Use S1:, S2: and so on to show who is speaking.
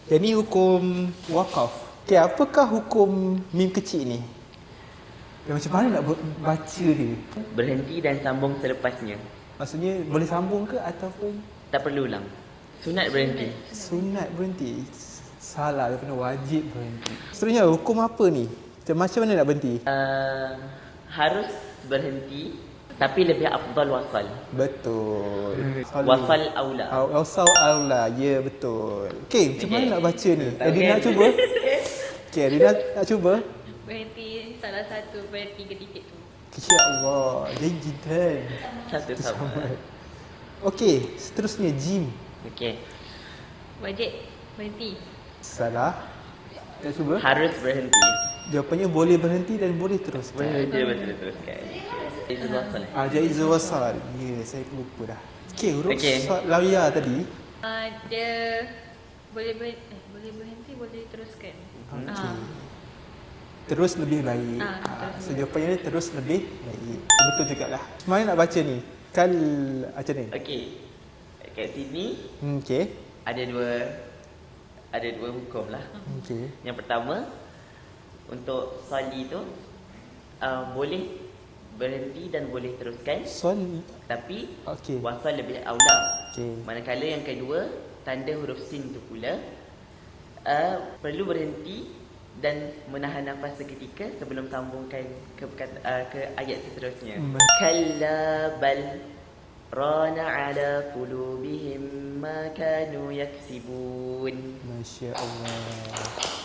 S1: Yang ni hukum wakaf. Okay, apakah hukum mim kecil ni? Macam mana nak baca dia?
S2: Berhenti dan sambung selepasnya.
S1: Maksudnya boleh sambung ke ataupun
S2: Tak perlu ulang. Sunat berhenti.
S1: sunat berhenti? Salah, dia kena wajib berhenti. Seterusnya, hukum apa ni? Macam mana nak berhenti?
S2: Harus berhenti, tapi lebih afdal wasal.
S1: Betul.
S2: Wasal aula.
S1: Wasal aula, ya betul. Okey, macam mana nak baca ni?
S2: Tak
S1: Adina nak
S2: kan?
S1: cuba? Okey, Adina nak cuba?
S3: Berhenti salah satu berhenti titik tu.
S1: Ya Allah, jayidan.
S2: Satu sama.
S1: Okey, seterusnya jim.
S2: Okey.
S3: Wajib berhenti.
S1: Salah. Nak cuba?
S2: Harus berhenti.
S1: Jawapannya boleh berhenti dan boleh teruskan.
S2: Boleh teruskan. Itu wasal.
S1: Jaizul wasal. Ya, saya lupa dah. Okey, huruf
S2: Okey.
S1: lawia tadi.
S3: Dia boleh berhenti, boleh teruskan.
S1: Okey. Terus lebih baik.
S3: Terus.
S1: So jawapannya terus lebih baik. Betul jugalah. Macam mana nak baca ni? Kal macam ni.
S2: Okey. Kat sini
S1: Okey.
S2: ada dua hukum lah.
S1: Okey.
S2: Yang pertama, untuk sali tu boleh berhenti dan boleh teruskan,
S1: Soal
S2: tapi
S1: okey.
S2: wasal lebih aula.
S1: Okey.
S2: Manakala yang kedua, tanda huruf sin tu pula perlu berhenti dan menahan nafas seketika sebelum sambungkan ke ayat seterusnya. Kalla bal rana ala qulubihim ma kanu yaksibun.
S1: Masya Allah.